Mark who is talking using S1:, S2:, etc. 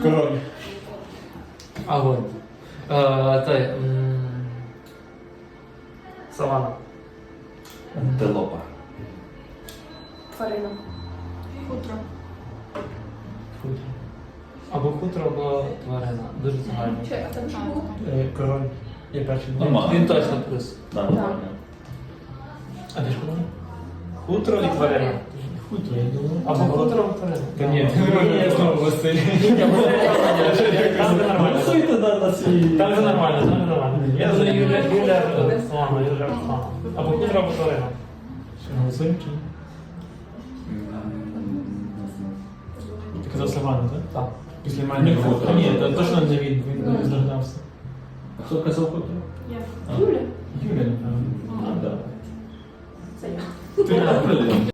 S1: Король.
S2: Огонь. Савана.
S3: Антилопа.
S4: Тварина. Хутро.
S2: Хутро. Або хутро, або тварина. Дуже загально.
S4: А там що було?
S1: Король. Я перший.
S3: Нормально.
S2: Він точно плюс.
S3: Да, нормально.
S2: А ти ж куди? Хутро і тварина.
S1: Хутро, я думаю.
S2: Або хутро, або тварина.
S1: Та ні, я знову Василь.
S2: Там же нормально.
S3: Голосуйте на свій.
S2: Там же нормально, там же нормально. Я думаю, Юля Руслана, Юля Руслана. Або хутро, або тварина.
S1: Голосуємо чи ні? Ти казав Савану, так?
S2: Так.
S1: Після мене.
S3: Не хутро.
S1: Ні, то точно не він здогадався.
S3: А хто казав хутро?
S4: Я. Юля.
S1: Юля, напевно.
S3: А, да.
S4: Це я.
S1: Ти
S3: Блін.